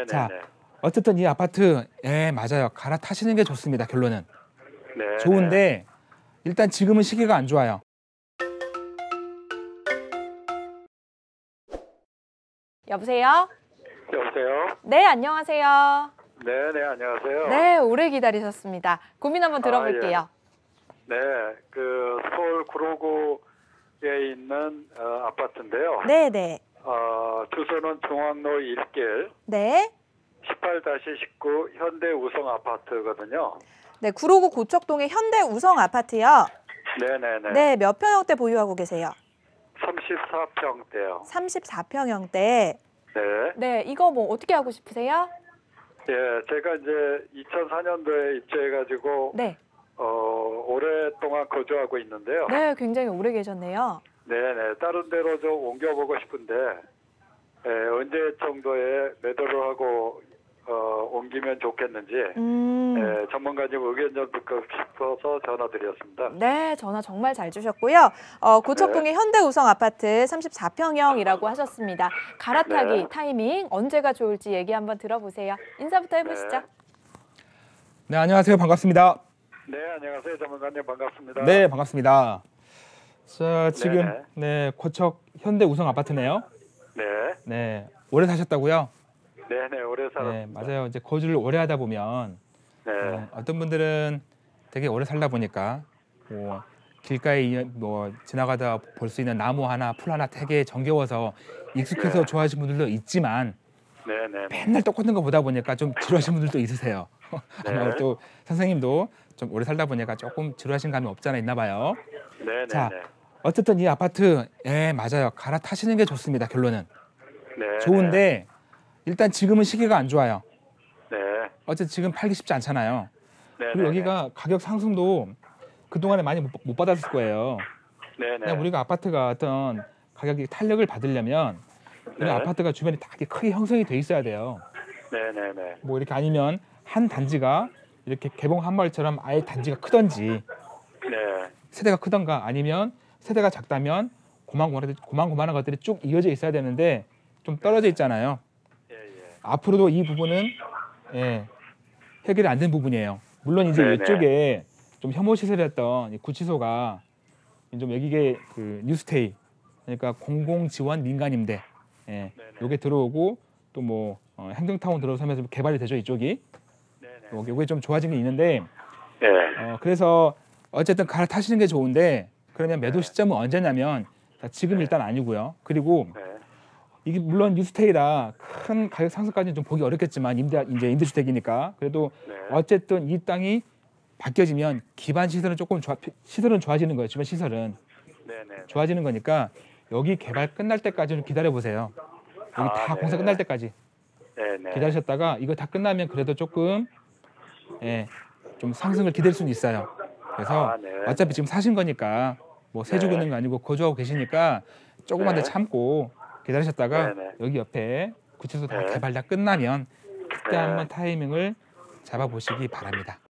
자, 네네네. 어쨌든 이 아파트, 맞아요. 갈아타시는 게 좋습니다. 결론은. 네. 좋은데 일단 지금은 시기가 안 좋아요. 여보세요? 여보세요? 네, 안녕하세요. 네네, 안녕하세요. 네, 오래 기다리셨습니다. 고민 한번 들어볼게요. 네, 그 서울 구로구에 있는 아파트인데요. 네. 주소는 중앙로 1길 네. 18-19 현대 우성 아파트거든요. 네, 구로구 고척동의 현대 우성 아파트요. 네네네. 네, 몇 평형대 보유하고 계세요? 34평대요. 34평형대. 네. 네, 이거 뭐 어떻게 하고 싶으세요? 예, 제가 이제 2004년도에 입주해가지고 네. 오랫동안 거주하고 있는데요. 네, 굉장히 오래 계셨네요. 네네. 다른 데로 좀 옮겨보고 싶은데 언제 정도에 매도를 하고 옮기면 좋겠는지 전문가님 의견 좀 듣고 싶어서 전화드렸습니다. 네, 전화 정말 잘 주셨고요. 고척동의 현대 우성 아파트 34평형이라고 하셨습니다. 갈아타기 네. 타이밍 언제가 좋을지 얘기 한번 들어보세요. 인사부터 해보시죠. 네, 안녕하세요. 반갑습니다. 네, 안녕하세요. 전문가님 반갑습니다. 네, 반갑습니다. 자, 지금 네네. 고척 현대 우성 아파트네요. 네. 네, 오래 사셨다고요? 네네, 오래 살았습니다. 네, 맞아요. 이제 거주를 오래 하다 보면 네. 어떤 분들은 되게 오래 살다 보니까 길가에 지나가다 볼 수 있는 나무 하나, 풀 하나 되게 정겨워서 익숙해서 네. 좋아하시는 분들도 있지만 네네. 맨날 똑같은 거 보다 보니까 좀 지루하신 분들도 있으세요. 네. 아마 또 선생님도 좀 오래 살다 보니까 조금 지루하신 감이 없지 않아 있나 봐요. 네네네. 자, 어쨌든 이 아파트, 맞아요. 갈아타시는 게 좋습니다. 결론은. 네. 좋은데 일단 지금은 시기가 안 좋아요. 네. 어쨌든 지금 팔기 쉽지 않잖아요. 네. 그리고 여기가 가격 상승도 그동안에 많이 못 받았을 거예요. 네네. 그냥 우리가 아파트가 어떤 가격이 탄력을 받으려면 이런 아파트가 주변에 다 크게 형성이 돼 있어야 돼요. 네네네. 뭐 이렇게 아니면 한 단지가 이렇게 개봉 한 마을처럼 아예 단지가 크던지 네. 세대가 크던가 아니면 세대가 작다면 고만고만한 것들이 쭉 이어져 있어야 되는데 좀 떨어져 있잖아요. 예. 앞으로도 이 부분은 해결이 안 된 부분이에요. 물론 이제 네네. 이쪽에 좀 혐오 시설이었던 이 구치소가 좀 여기게 그 뉴스테이 그러니까 공공 지원 민간임대 요게 들어오고 또 뭐 행정타운 들어서면서 개발이 되죠 이쪽이. 네네. 요게 좀 좋아진 게 있는데 네. 그래서 어쨌든 갈아타시는 게 좋은데 그러면 매도 시점은 언제냐면 지금 일단 아니고요. 그리고 네. 이게 물론 뉴스테이라 큰 가격 상승까지는 좀 보기 어렵겠지만 임대주택이니까 그래도 어쨌든 이 땅이 바뀌어지면 기반 시설은 시설은 좋아지는 거예요. 주변 시설은 네네. 좋아지는 거니까 여기 개발 끝날 때까지는 기다려 보세요. 여기 다 공사 끝날 때까지 네네. 기다리셨다가 이거 다 끝나면 그래도 조금 좀 상승을 기댈 수는 있어요. 그래서 네. 어차피 지금 사신 거니까 뭐 세주고 있는 거 아니고 거주하고 계시니까 조금만 더 참고 기다리셨다가 여기 옆에 구치소 다 개발 다 끝나면 그때 한번 타이밍을 잡아보시기 바랍니다.